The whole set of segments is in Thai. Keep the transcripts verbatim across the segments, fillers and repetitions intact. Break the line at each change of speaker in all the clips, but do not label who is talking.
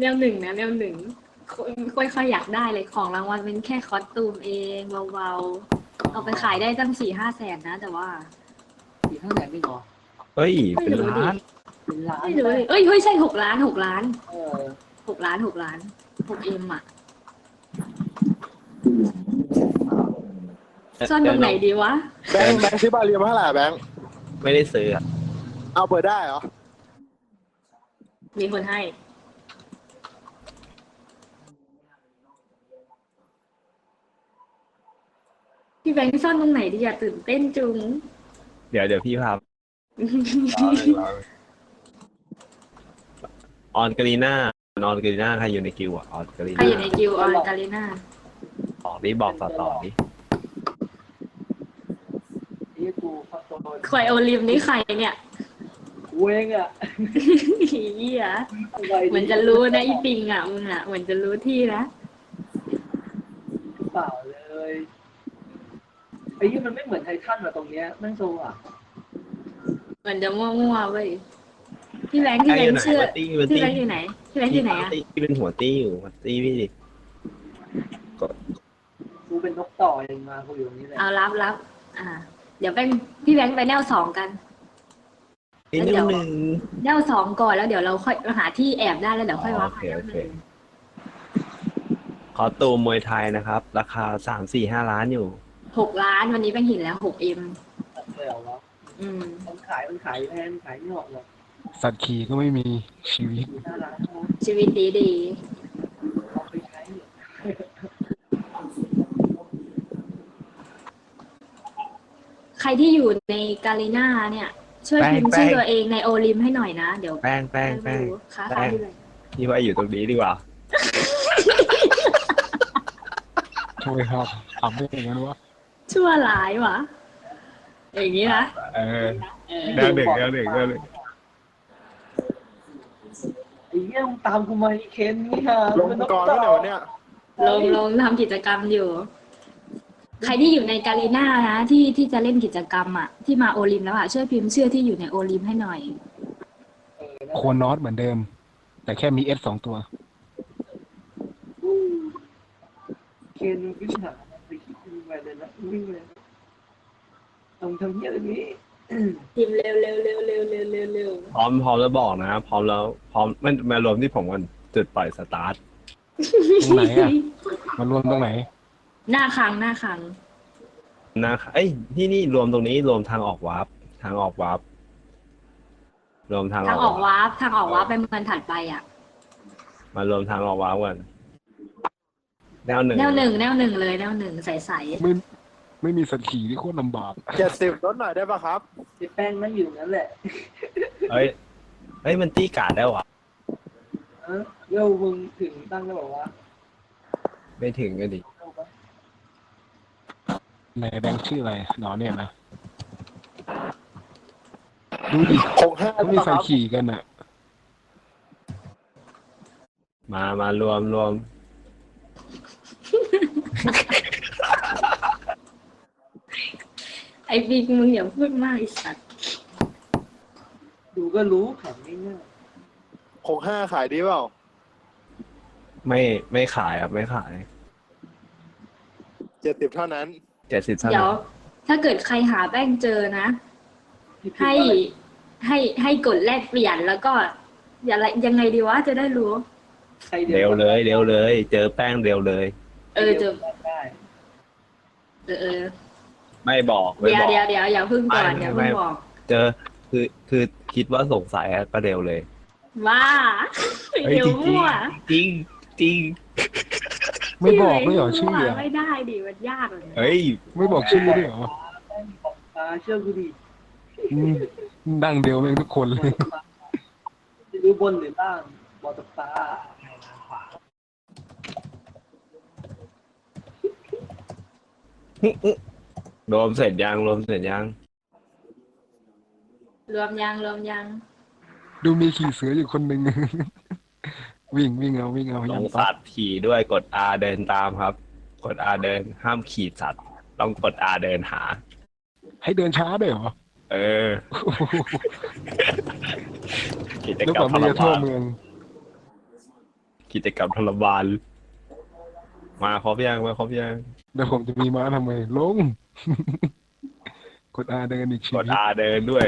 แนวหนึ่งนะแนวหนึ่งค่อยค่อยอยากได้เลยของรางวัลเป็นแค่คอสตูมเองเบาๆเอาไปขายได้ตั้งสี่ห้าแสนนะแต่ว่า
สี่ห้าแสนไม่หรอ
เฮ้ย
ไม่
เป็น
รู้ดิ
ล้าน
เป็นล้าน
ไม่รู้ดิเอ้ยเฮ้ยใช่หกล้านหกล้าน
เออ
หกล้านหกล้านหกเอ็มอ่ะซ่อนตรงไหนดีวะ
แบงค์แบงค์ซื้อบาเรียมาเท่าไหร่แบงค์
ไม่ได้ซื้ออะ
เอาเปิดได้เหรอ
มีคนให้พี่แบงค์ซ่อนตรงไหนดีอะตื่นเต้นจุง
เดี๋ยวเดี๋ยวพี่พาออนกาลีน่าออนกาลีน่าใครอยู่ในคิวอ่ะออนกาลี
ใคร
น่า
อยู่ในกิวออนกาลิน่า
บอกดิบอกต่อต่อดิ
นี่กูคอนโทรล
ควายโอลิมนี่ใครเนี่ย
เวงอ่ะ
เหี้ยเหมือนจะรู้นะอีปิงอ่ะมึงอ่ะเหมือนจะรู้ที่นะ
เปล่าเลยไอ้ยี่มันไม่เหมือนไททันอะตรงเนี้ยแม่งโซอ่ะ
เหมือนจะมั่วๆเว้ยพี่แบงค์พี่แบงค์เชื่อ
ตี้
พี่
ตี้
แบงค์อยู่ไหนพี่แบงค์อยู่ไหนอ่ะ
พี่เป็นหัวตี้อยู่หัวตี้พี่ดิ
กูเป็นนกต่อเองมากูอยู่ตรงนี้แหละ
เอารับรับอ่า เดี๋ยวแบงค์พี่แบงค์ไปแนวสองกัน
นี่นิดนึง
แนวสองก่อนแล้วเดี๋ยวเราค่อยหาที่แอบได้แล้วเดี๋ยวค่อยว่า
โอเคโอเคคอตูมมวยไทยนะครับ ราคาสามสี่ห้าล้านอยู่
หกล้านวันนี้แบงค์เห็นแล้วหกเอ็ม
เลยเหรอวะ
อืม
มันขายมันขายแพงขายไม่ออกหรอก
สัตว์ขี่ก็ไม่มีชีวิต
สี่ห้าล้านนะ
ชีวิตดีดี
เอาไปใช้เนี่ย
ใครที่อยู่ในกาลิน่าเนี่ย ช่วยพิมพ์ชื่อตัวเองในโอลิมให้หน่อยนะเดี๋ยว
แป้งแป้งแป้ง
ค้า
แป้
ขาย
ง
ที่เลย
พี่ว่าอยู่ตรงนี้ดีกว่า
ทำไมครับทำได้อย่างนั้นวะ
ชั่วร้ายวะอย่างนี้นะ
เออแนวหนึ่งแนวหนึ่งแนวหนึ่ง
ไอ้เหี้ยมึงตามกูมาไอ้เคนนี่ฮะ
ลงกรแล้วเดี๋ยวเนี่ย
ลงลงทำกิจกรรมอยู่ ใครที่อยู่ในกาลิน่านะที่ที่จะเล่นกิจกรรมอ่ะที่มาโอลิมแล้วอ่ะช่วยพิมพ์ชื่อที่อยู่ในโอลิมให้หน่อย
โคนอสเหมือนเดิม แต่แค่มีเอสสองตัว
เคนวิ่งหาไปคิดไปเลยนะวิ่งเลยต้องทำเหี้ยอะไรนี้
พิมพ์เร็วเร็วเร็วเร็วเร็วเร็วเร็ว
พร้อมพร้อมแล้วบอกนะ พร้อมแล้วพร้อมมันมารวมที่ผมกันจุดปล่อยสตาร์ท
ตรงไหนอ่ะ มารวมตรงไหน
หน้าครังหน้าครัง
นะเอ้ยที่นี่รวมตรงนี้รวมทางออกวาร์ปทางออกวาร์ปรวมทาง
ทางออก
วาร์ป
วาร์ปทางออกวาร์ปไปเมืองถัดไปอ่ะ
มารวมทางออกวาร์ปกันแนวหนึ่ง
แนวหนึ่งแนวหนึ่งเลยแนวหนึ่งใสใส
ไม่ไม่มีสัตว์ขี่ที่โคตรลำบาก
เจ็ดสิบลดหน่อยได้ปะครับ
ไอ้แป้งนั่งอยู่นั่นแหละ
เฮ้ยเฮ้ยมันตีการ์ดได้วะ
เออเดี๋ยวมึงถึงตั้งก็บอกว่า
ไม่ถึงก็ดิ
ในแบงค์ชื่ออะไรหนอเนี่ยนะ ดูดิ
หกห้า
เขามีสัตว์ขี่กันอ่ะ
มามารวมรวม
ไอ้บิ๊กมึงอย่าพูดมากไอ้สัตว์
ดูก็รู้แข็งง่าย
หกห้าขายดีเปล่า
ไม่ไม่ขายครับไม่ขาย
เจ็ดสิบเท่านั้น
เจ็ดสิบเท่า
เดี๋ย
นั้
วน ถ้าเกิดใครหาแป้งเจอนะ
ๆ
ให้ให้ให้กดแลกเปลี่ยนแล้วก็ อย่าไรยังไงดีวะจะได้รู้
ใคร
เร็วเลยเร็วเลย เจอแป้งเร็วเลย
เออเจอ
ได้
เออเออ
ไม่บอกไม่
เดี๋ยว
บอก
เดี๋ยวเดี๋ยวอย่าเพึ่งก่อน
ไม่
อย่า
ไม่
เพึ่งบอก
เจอคือคือคิดว่าสงสัยอะก็เร็วเลย
ว่า
เฮ้ย
เดี๋ยว
จริง
มั่ว
จริงจริง
ไม่บอกด้วยเหรอชื่อ
มั่ว
อ่ะ
ไม่ได้ดิมันยากเลย
เฮ้ย
ไม่บอกชื่อด้วยเหรอ
ตาเชื่อกูดิ
อืมดังเดียวแม่งทุกคนเลย
จะดูบนหรือล่างบอลตบตา
รวมเสร็จยังรวมเสร็จยัง
รวมยังรวมยัง
ดูมีขี่เสืออยู่คนหนึ่ง วิ่งวิ่งเอาวิ่งเอา
ต้
ยั
อง
ง
สัตว์ขี่ด้วยกด R เดินตามครับ กด R เดินห้ามขี่สัตว์ ต้องกด R เดินหา
ให้เดินช้าด้วยเหรอ
เออ กิจ
นึก
กรรม
ว่า
ท
ไม่
ร
จะทั่ว
มาน
เมือง
กิจกรรมทรมานมาครบยังมาครบยัง
แล้วผมจะมีม้าทำไมลง กดอาเดินอีกชี
ก
วิ
ด
ต
อาเดินด้วย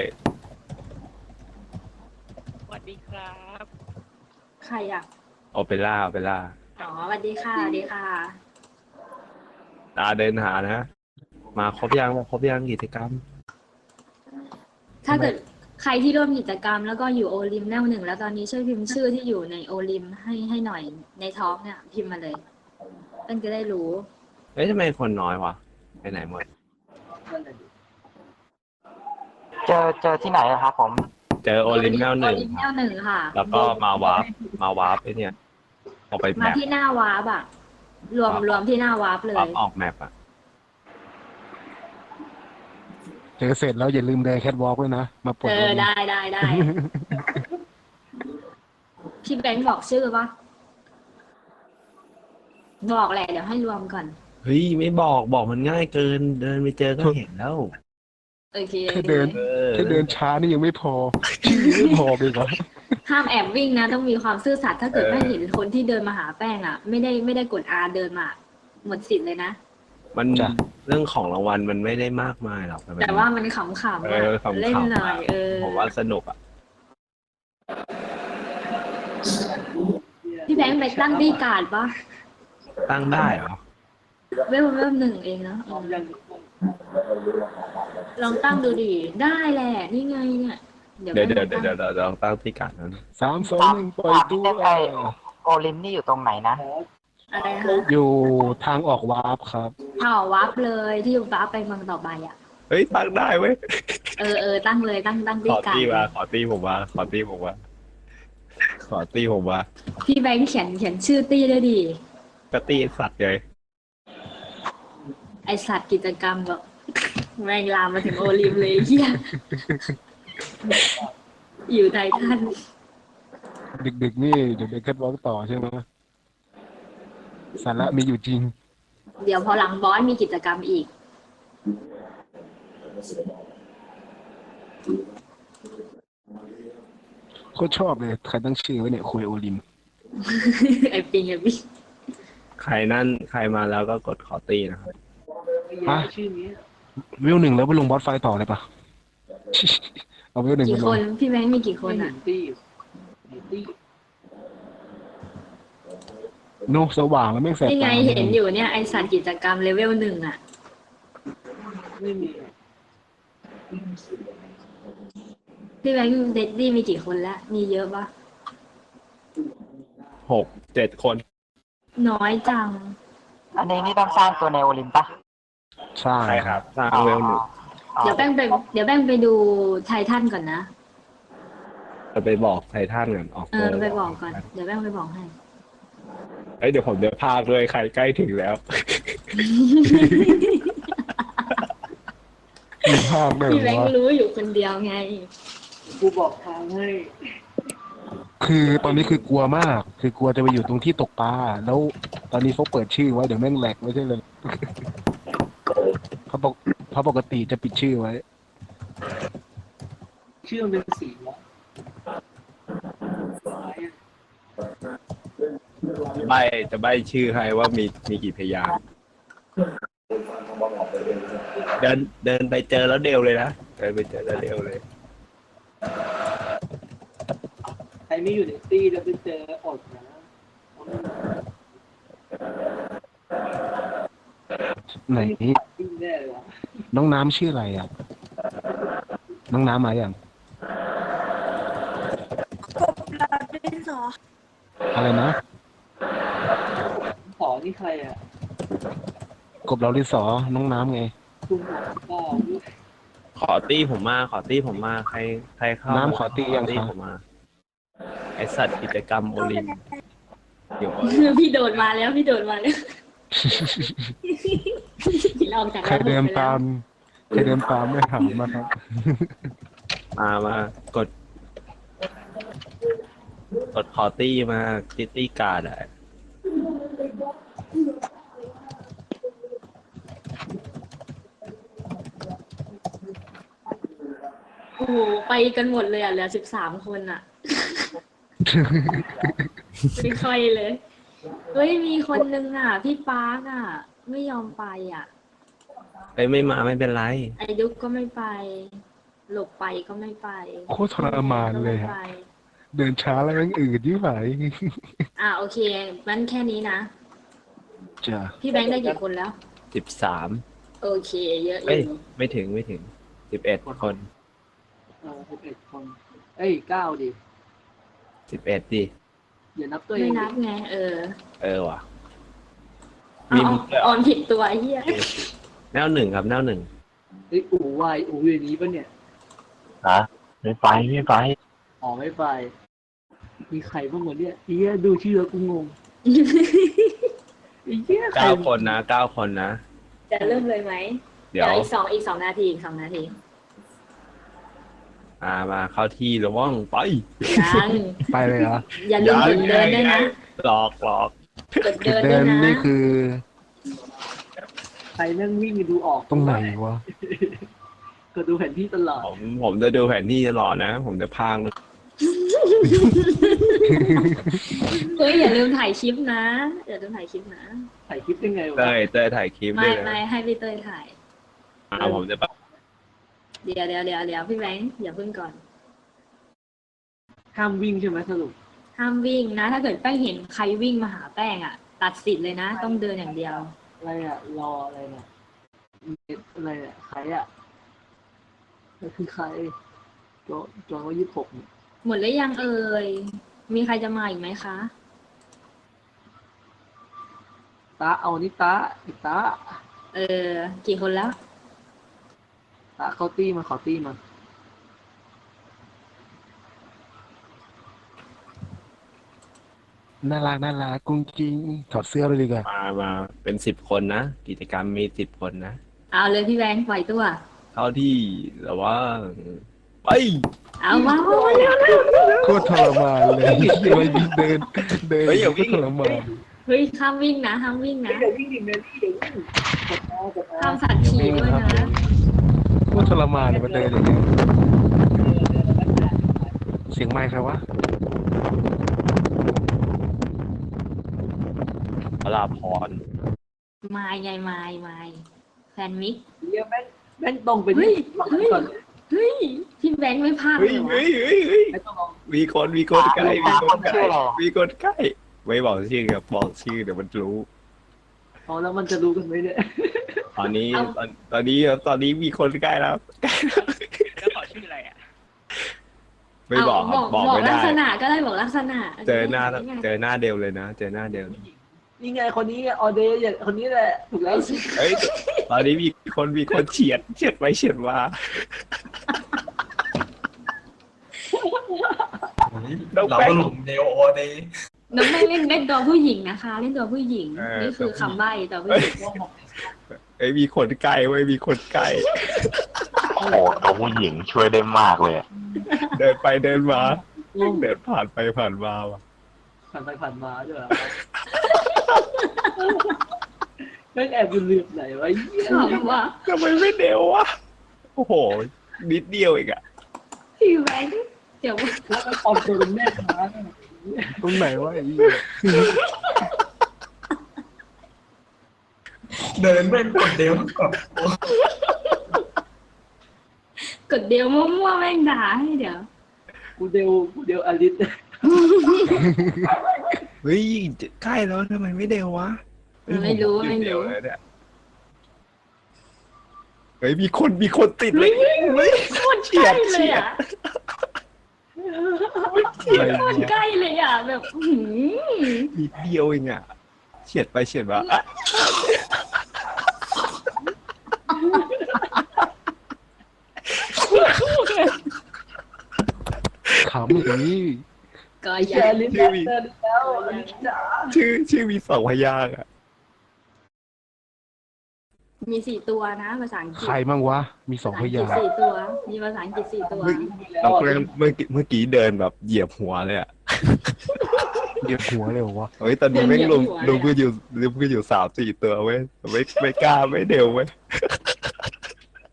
สวัสดีครับ
ใครอ่ะ
โอเปร่าโอเปร่า
อ๋อสวัสดีค่ะสวัสดีค่ะ
อาเดินหานะ มาครบยังมาครบยังกิจกรรม
ถ้าเกิดใครที่ร่วมกิจกรรมแล้วก็อยู่โอลิมแนวหนึ่งแล้วตอนนี้ช่วยพิมพ์ชื่อที่อยู่ในโอลิมให้ให้หน่อยในท้องเนี่ย พิมพ์มาเลยเพื่อนจะได้รู้
เฮ้ยทำไมคนน้อยวะไปไหนหมด
นั่นแหละดิ
เจอเจอที่ไหนอะครับผม
เจอโอลิมแนวหนึ่ง
โอลิมแนวหนึ่งค่ะ
แล้วก็มาวาร์ปมาวาร์ปไอเนี่ยออกไปแม
มา
ป
ที่หน้าวาร์ปอะรวมรวมที่หน้าวาร์ปเล
วาร์
ย
ปออกแมปอ่ะ
เจอเสร็จแล้วอย่าลืมเดินแคทวอล์กด้วยนะ มาปลด
เอ
ล
อง ได้ได้ได้ พี่แบงค์บอกชื่อปะบอกแหละเดี๋ยวให้รวมก่อน
เฮ้ยไม่บอกบอกมันง่ายเกิน เดินไปเจอก็เห็นแล้ว
โอเค
แค่เดิน
เออ
แค่เดินช้านี่ยังไม่พอ ชื่อยังไม่พอเลยเหรอ
ห้ามแอบวิ่งนะ ต้องมีความซื่อสัตย์ถ้าเกิด
เออ
ไม่เห็นคนที่เดินมาหาแป้งอ่ะ ไม่ได้ไม่ได้กดอาเดินมาหมดสิทธิ์เลยนะ
มัน
จ้ะ
เรื่องของรางวัลมันไม่ได้มากมายหรอกมันเป็น
แต่ว่ามันขำๆ
เอ
อะ
อขำๆ
เล่นหน่อยเออ
ผมว่าสนุกอ่ะ
พี่แบงค์ไปตั้งที่การ์ดปะ
ตั้งได้เหรอ
เวลเวลหนึ่งเองนะ
พร้อมยัง
ลองตั้งดูดิได้แหละนี่ไงเนี่ย
เดี๋ยวเดี๋ยวเดี๋ยวเดี๋ยวเดี๋ยวเดี๋ยวตั้งที่การนั้น
สามสองหนึ่งปล่อยตัว
โอลิมนี่อยู่ตรงไหนนะ
ขอ
อะไรนะคะ
อยู่ทางออกวาร์ปครับ
เผาวับเลยที่วับไปเมืองต่อไปอ่ะ
เฮ้ยตั้งได้เว้ย
เออเออตั้งเลยตั้งตั้ง
ข
ที่
อ
การ
ตีมา
์ด
ขอตีผมมาขอตีผมมาขอตีผมมา
พี่แบงค์เขียนเขียนชื่อตี้ด้วยดิ
ก็ตีสัตว์เลย
ไอสัตว์กิจกรรมแบบแม่งลามมาถึงโอลิมเลยเฮียอยู่ไททัน
ดึกๆนี่เดี๋ยวเดินแคทวอล์กต่อใช่ไหมสาระมีอยู่จริง
เดี๋ยวพอหลังบอสมีกิจกรรมอีก
โคตรชอบเลย ใครตั้งชื่อไว้เนี่ยคุยโอลิม
ไอปิงไอปิง
ใครนั่นใครมาแล้วก็กดขอตีนะครับ
ไอ้ยาชื่อนี้
วิวหนึ่งแล้วไปลงบอสไฟต่อเลยปะ เอาวิวหนึ่งไป
กี่
ล
ค
ง
นพี่แบงค์มีกี่คน
ไม่
อ่ะ
เห็นตี้เห็นตี้
โนสว่างแล้วไม่งแสบ
นี่ไง
ตา
เห็นอยู่เนี่ยไอสัตว์กิจกรรมเลเวลหนึ่งอ่ะ
ไม่มี
พี่แบงค์เดดดี้มีกี่คนแล้ว มีเยอะปะ
หกเจ็ดคน
น้อยจัง
อันนี้นี่ต้องสร้างตัวในโอลิมปะ
ใช่
ใช่ครับสร้างเวลหนึ่ง
อ๋อ
เดี๋ยวแป้งไปเดี๋ยวแป้งไปดูไททันก่อนนะ
จะไปบอกไททันกันออก
เออไปบอกก่อน เดี๋ยวแป้งไปบอกให้
เอ้ยเดี๋ยวผมเดี๋ยวพากเลยใครใกล้ถึงแล้ว
มีภาพด้วย
พี่แบง
ว่า
ค์รู้อยู่คนเดียวไง
กูบอกทางให้
คือตอนนี้คือกลัวมาก คือกลัวจะไปอยู่ตรงที่ตกปลา แล้วตอนนี้เขาเปิดชื่อไว้เดี๋ยวแม่งแหลกไม่ใช่เลย เขาบอกเขาปกติจะปิดชื่อไว้
ชื่อมันเป็นสีวะซ้ายอะ
ใบจะใบชื่อให้ว่ามีมีกี่พยางค์เดินเดินไปเจอแล้วเดวเลยนะเดินไปเจอแล้วเดวเลย
ใครไม่อยู่ในตี้แล้วไปเจออดนะ
ไหน
ตี้แน่เลยวะ
น้องน้ำชื่ออะไรอ่ะ น้องน้ำมาอย่างอะไรนะ
ขอนี่ใครอ่ะ
กบเราดิสอน้องน้ำไง
คุณหมอเปล่า
ขอตีผมมา ขอตีผมมาใครใครเข้า
น้ำขอตียัง
ตี
ครับ
ผมมาไอสัตว์กิจกรรมโอลิมอยู่
พี่โดดมาแล้วพี่โดดมาแล้วเราออกจาก
ใครเดิน
ระบบไปแล้ว
ตาม ใครเดินตามไม่ถามมาครับ
มามากด กดขอตี้มาคิตตี้การ์ดอะ
โอ้โหไปกันหมดเลยอ่ะเหลือสิบสามคนอ่ะไม่ค่อยเลย เฮ้ยมีคนนึงอ่ะ พี่ปาร์กอ่ะ ไม่ยอมไปอ่ะ
เอ้ยไม่มาไม่เป็นไร
ไอ้ดุ๊กก็ไม่ไป หลบไปก็ไม่ไป
โคตรทรมานเลย
ก็
ฮะ
ไม่ไป
เดินช้าแล้วยังอืดยิ่งไหว
อ่ะโอเคงั้นแค่นี้นะ
จ้ะ
พี่แบงค์ได้กี่คนแล้ว
สิบสาม
โอเค เยอะอ
เอ้ย
ยู่
ไม่ถึงไม่ถึงสิบเอ็ดคน
เออสิบเอ็ดคน เอ้ยเก้าดิ
สิบเอ็ดดิ
อย่านับตัวเอ
ไม่
ง
นับไง เออ
เออว่ะ
เอา
มี
เอา
มุกด้วยเหร
อ
อ
อนผิดตัวไอ้เหี้ย
แนวหนึ่งครับแนวหนึ่ง
เอ้ยอู๋วายอู๋อย่างนี้ปะเนี่ย
ฮะไม่ไปไม่ไป
อ๋อไม่ไป มีใครบ้างวะเนี่ยเฮียดูชื่อแล้วกูงงไอ้เหี้ยใคร
เก้าคนนะเก้าคนนะ
จะเริ่มเลยไหม
เดี๋ยว
อีกสองอีกสองนาทีอีกสองนาที
มามาเข้าที่ระว่องไป
ยัง
ไปเลยเหรอ
อย่าลืมกดเดินด้วยนะ
หลอกหลอก
กด
จุ
เดิ
ด
น
เดิ
ด้วย
น
นะ
นี่คือ
ใครนั่งวิ่งดูออก
ตรงไหนวะ
ก็ดูแผนที่ตลอด
ผมผมจะดูแผนที่ตลอดนะ ผมจะพาง
เฮ้ยอย่าลืมถ่ายคลิปนะอย่าลืมถ่ายคลิปนะ
ถ่ายคลิปยังไงวะ
เต้ยเต้ยถ่ายคลิป
ไม่
ด้วย
ไม่
นะ
ให้พี่เต้ยถ่าย
อ่าผมจะแบบ
เดี๋ยวเดี๋ยวเดี๋ยวเดี๋ยวพี่แบงค์อย่าเพิ่งก่อน
ห้ามวิ่งใช่ไหมสรุป
ห้ามวิ่งนะ ถ้าเกิดแป้งเห็นใครวิ่งมาหาแป้งอ่ะ ตัดสิทธิ์เลยนะ ต้องเดินอย่างเดียว
อะไรอะรออะไรเนี่ยเน็ตอะไรอะใครอะนั่นคือใครจอจอว่ายี่สิบหกเนี่ย
หมดแล้วยังเอ่ยมีใครจะมาอีกไหมคะ
ตาเอานี่ตาไอ้ตา
เออ กี่คนแล้ว
ตาเขาตี้มาขอตี้มา
น่ารักน่ารักกุ้งกิ้งถอดเสื้อเลยดีกว่า
มามาเป็นสิบคนนะ กิจกรรมมีสิบคนนะ
เอาเลยพี่แบงค์ปล่อยตัว
เข้าที่แต่ว่าไป
เอามามาเร็วเร็ว
โคตรทรมานเลยมายิงเดิน เดินโคตรทรมาน
เฮ้ยห้ามวิ่งนะห้ามวิ่งนะ
เดี๋ยววิ่งดิเดี๋ยววิ่งเดี๋ยววิ่งกดเอากดเอา
ห้ามสัตว์ขี่ด้วยนะ
โคตรทรมานเลยมาเดินอย่างนี้เสียงไมค์ใครวะ
พระราพร
ไม้ไงไม้ไม้แฟนมิก
เรียกแม่งแม่งตรงไป
เฮ้
ที่
ยเฮ้ย
ก่อน
เฮ้ยพี่แบงค์ไม่พลาดเล
เฮ้ย
ยวะ
เฮ้ยเฮ้ยเฮ้ย
ไม่ต้องลอง
มีคนมีคนใกล้มีคนใก
ชื่
ล้
ออะไรอะ
มีคนใกล้ไม่บอกชื่อครับบอกชื่อเดี๋ยวมันรู้
เอาแล้วมันจะรู้กันไหมเนี่ย
ตอนนี้ตอนตอนนี้ตอนนี้มีคนใกล้แล้ว
แล้วขอชื่ออะไรอ่ะ
ไม่บอกครับ
บบ อ
อก ก
บอก
ไม่
ลั
ได้
กษณะก็ได้บอกลักษณะ
เจอหน้า
ไง
เจอหน้าเดียวเลยนะ เจอหน้าเดียว
นี่ไงคนนี้ไงออเดย์อย่างคนนี้แหละถูกแล้ว
เฮ้ยตอนนี้มีคนมีคนเฉียดเฉียดไปเฉียดมา
เราก็หลุมเดโอเดย์
น้องไม่เล่นเล่นตัวผู้หญิงนะคะ เล่นตัวผู้หญิงนี่คือคำใบ้ตัวผู้หญิง
เอ้ยมีคนใกล้เว้ยมีคนใกล้
โอ้โหตัวผู้หญิงช่วยได้มากเลยอะ
เดินไปเดินมาเดินผ่านไปผ่านมาว่ะ
ผ่านไปผ่านมาด้วยเหรอแม่งแอบอยู่เหลือบไหนวะเหี้ย
ขำว่ะ
ทำไมไม่เดียววะโอ้โหนิดเดียวเองอะ
พี่แบงค์เดี๋ยว
แล้วก็ปลอมตัวเป็นแม่ค้าเนี่ย
ตรงไหนวะไอ้เหี้ย
เดินเป็นกดเดวกด
กดเดียวมั่วๆแม่งด่าให้เดี๋ยว
กูเดวกูเดวอลิส
เฮ้ยใกล้แล้วทำไมไม่เดียววะ
ไม่รู้ไม่
เดียว
รู้
เลยเนี่ยเฮ้ยมีคนมีคนติดเลยเฮ้ย
โคตรใกล้เลยอ่ะ
อะไร
โคตร
วะ
ใกล้เลยอ่ะแบบอื้อหือ
นิดเดียวเองอะเฉียดไปเฉียดมาอะ
ขำอย่างนี้
ก็
แช
ยัง
ร์ลิสต์เดินแล้วอลิสจ๋า
ชื่อชื่อมีสองพยางค์อะ
มีสี่ตัวนะภาษาอังกฤษ
ใครมั่งวะ มีสองพยาง
ภษ
ค์
สี่ตัว มีภาษาอังกฤษสี่ตัว
เราเมื่อเมื่อกี้เมื่อกี้เดินแบบเหยียบหัวเลยอะ
เหยียบหัวเลยเหรอวะ
เฮ้ยตอนนี้ไม่งลงลงก็อยู่ลงก็อยู่สามสี่ตัวเว้ยไม่ไม่กล้าไม่เดียวเว้ย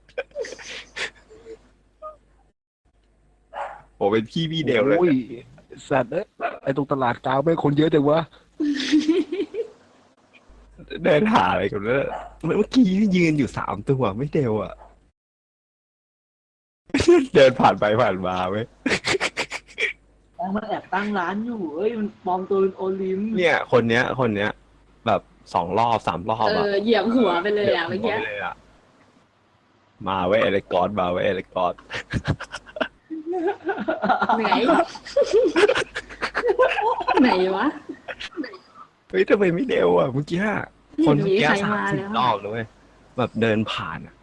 ผมเป็นพี่พี่เดียวเลย
โอ้ยสัตว์เอ้ยไอตรงตลาดกลางไม่งคนเยอะจังวะ
เดินหาอะไรกันเนี่ยเมื่อกี้ยืนอยู่สามตัวไม่เดวอ่ะ เดินผ่านไปผ่านมาเว้ย
แป้งมันแอบตั้งร้านอยู่เอ้ยมันปลอมตัวเป็นโอลิม
เนี่ย คนเนี้ย คนเนี้ย แบบสองรอบสามรอบ
เอ
อ่ะ
อเหยียบหัวไปเลยอ่ะเมื่อกี้
ดี๋ยวผมบกไปเลยอะมาเว้ยเอเลกอสมาเว้ยเอเลกอส
ไหน ไหนวะ
เฮ้ยทำไมไม่เร็วอ่ะเมื่อกี้คนเมื่อกี้
มีใคร
สาม
มา
สิ
แล้
บ
ว
รอบเลยเว้ยแบบเดินผ่านอ่ะ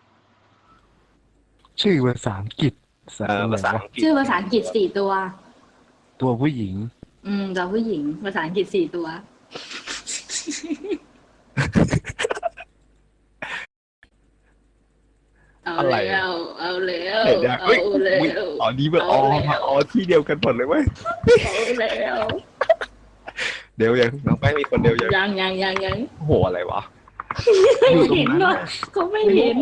ชื่อภาษาอังกฤษสัต
เอ
ว์
อ
อะไร
ภาษาว
ะ
อังกฤษ
ชื่อภาษาอังกฤษสี่ตัว
ตัวผู้หญิง
อืมตัวผู้หญิง ภาษาอังกฤษสี่ตัว เอา
อะไร
แล้
อะ
ว เอาแล้ว
เห็นยัง
เอา
เฮ้ย
แล้ว
อุ๊ยอ๋อนี่มันอ๋อ
เอาแล้ว
อ๋อที่เดียวกันหมดเลยเว้ย
เอาแล้ว
เดี๋ยวยังน้องแป้งมีคนเดียวยัง
ยังยังยังยัง
โอ้โหอะไรวะ
ไม่เห็นหรอกเขาไม่เห็น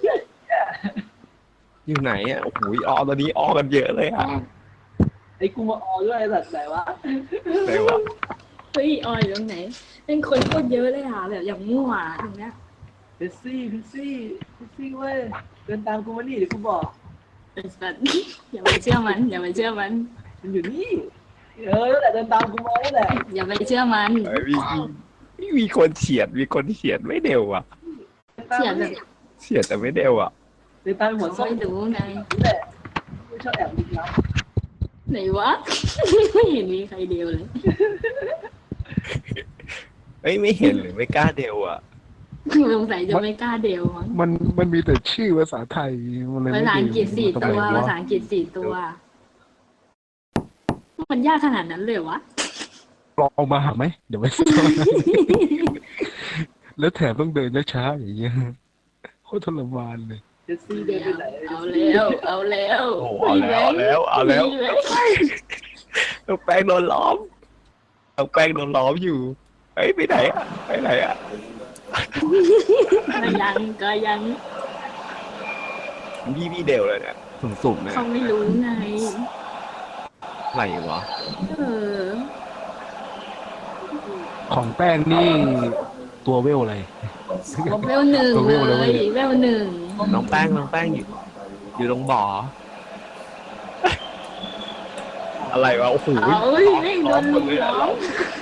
อยู่ไหนอ่ะโอ้โหออตอนนี้ออกันเยอะเลยอ่ะ
ไอ้กูมาออด้วยไอ้สัตว์ไหนวะ
ไหนวะ
เฮ้ยออยอยู่ตรงไหน เป็นคนโคตรเยอะเลยอ่ะแบบอย่างมั่วตรงเนี้ย
เพชซี่เพชซี่เพชซี่เว้ยเดินตามกูมานี่เดี๋ยวกูบอก
เป็นสัตว์อย่าไปเชื่อมัน อย่าไปเชื่อมัน
มันอยู่นี่เออนั่นแหละเดินตามกูมานั่นแหละ
อย่าไปเชื่อมัน
เฮ้ยมีมีมีคนเฉียดมีคนเฉียดไม่เร็วอ่ะ
เดินตาม
เสีย
มา
แบ
นี่
บ
เฉียดแต่ไม่เร็วอ่ะ
เดินตามหัวส้ม
ไม่รู้ไง
นี่แหละไม่ชอบแอบลึกลับ
ไหนวะ ไม่เห็นมีใครเดียวเลย
เฮ้ยไม่เห็นหรือไม่กล้าเร็วอ่ะ
สงสัยจะไม่กล้าเดียวมั้ง
มันมันมีแต่ชื่อภาษาไทยมันเลย
ภา
ไม่
ษาอังกฤษสี่
ทำ
ตั
ไม
ว ภาษาอังกฤษสี่ตัว มันยากขนาดนั้นเลยวะ
ลองเอามาหาไหมเดี๋ยวไป แล้วแถมต้องเดินช้าๆอย่างเงี้ยโคตรทรมานเลย
เพชซี่เดินไปไหน
เอาแล้ว เอาแล้ว
โอ้โหเอาแล้วเอาแล้วเอาแล้ว น้องแป้งโดนล้อมน้องแป้งโดนล้อมอยู่เฮ้ยไปไหนอ่ะไปไหนอ่ะ
ก็ยังก็ยัง
พี่พี่เดวเลยเนี่ยสุ่มๆเนี่ย
เขาไม่รู้ไง
อะไรวะ
เออ
ของแป้งนี่ตัวเวลอะไร
เวลหนึ่ง
ตัว
เล
เวลเลย
ยเวลหนึ่ง
น้องแป้งน้องแป้งอยู่อยู่ตรงบ่ออะไรวะโอ้โห
เอาเอ้ยไม่โดนลุมล้อม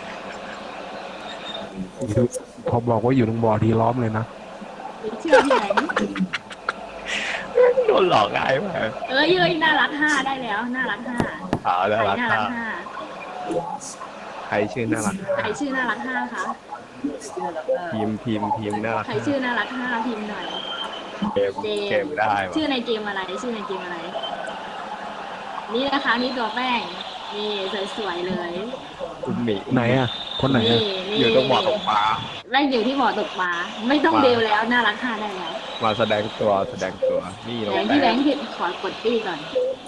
พอบอกว่าอยู่ตรงบ่อทีล้อมเลยนะ
ไปเชื่อที่ไหน
โดนหลอกง่ายมาก
เอ้ยเอ้ยน่ารักห้าได้แล้ว น่ารักห้า
อ่าน่า
ใคร
รัก
น่ารัก
มาก
ห้า
ใครชื่อน่ารัก
ใครชื่อน่ารักห้าคะ
พิมพ์พิมพ์พิมพ์น่ารัก
ใครชื่อน่ารักห้าพิมพ์หน่อย
เกม
เจ
เกมได้วะ
ชื่อในเกมอะไร ชื่อในเกมอะไร นี่นะคะนี่ตัวแป้ง นี่สวยๆเลย
คุณหมี
ไหนอ่ะ คนไหน
นี่
อ่ะ
นี่
อยู่ตรงบ่อตกปลา
แป้งอยู่ที่บ่อตกปลา ไม่ต้อง
มา
เดวแล้ว น่ารักห้าได้แล้ว
มาแสดงตัวแสดงตัวนี่น้อง
แบงค์
แป้
ที่แบ
ง
งค์ผิดขอกดตี้ก่อน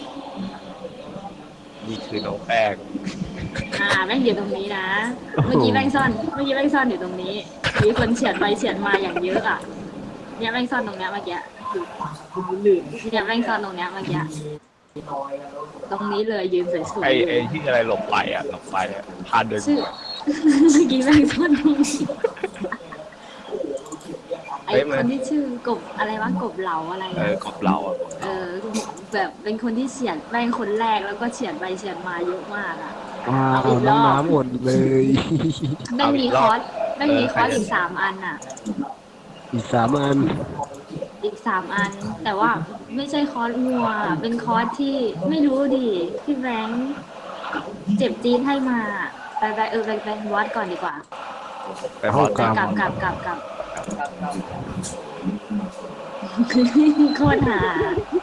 นี่คือน้องแป้ง
อ่าแบงค์อยู่ตรงนี้นะ เมื่อกี้แบงค์ซ่อน เมื่อกี้แบงค์ซ่อนอยู่ตรงนี้ มีคนเฉียดไปเฉียดมาอย่างเยอะอ่ะ เนี่ยแบงค์ซ่อนตรงเนี้ยเมื่อกี้
คุณลื่น
เนี่ยแบงค์ซ่อนตรงเนี้ยเมื่อกี้ ตรงนี้เลยยืนสวย
ไอ้
ๆเล
ไอ้
ย
ที่อะไรหลบไปอ่ะหลบไปอ่ะพันเดิน
ชื่อ เมื่อกี้แบงค์ซ่อนตรงนี้ไอ้คนที่ชื่อกบอะไรวะกบเหลาอะไร
เอ
อะ
อกบเราอ่ะ
เออแบบเป็นคนที่เฉียดแบงค์คนแรกแล้วก็เฉียดไปเฉียดมาเยอะมากอ่ะ
อ้าวน้องน้ำอดเลย
แบงค์มีคอร์สแบงค์มีคอร์สอีกสามอันอ่ะ
อีกสามอัน
อีกสามอัน แต่ว่าไม่ใช่คอร์สงัว เป็นคอร์สที่ไม่รู้ดิพี่แบงค์เจ็บจี๊ดให้มา ไปไปเออไปไปวัดก่อนดีกว่า
ไปพอด
กลับกลับกลับกลับกลับโคตรหา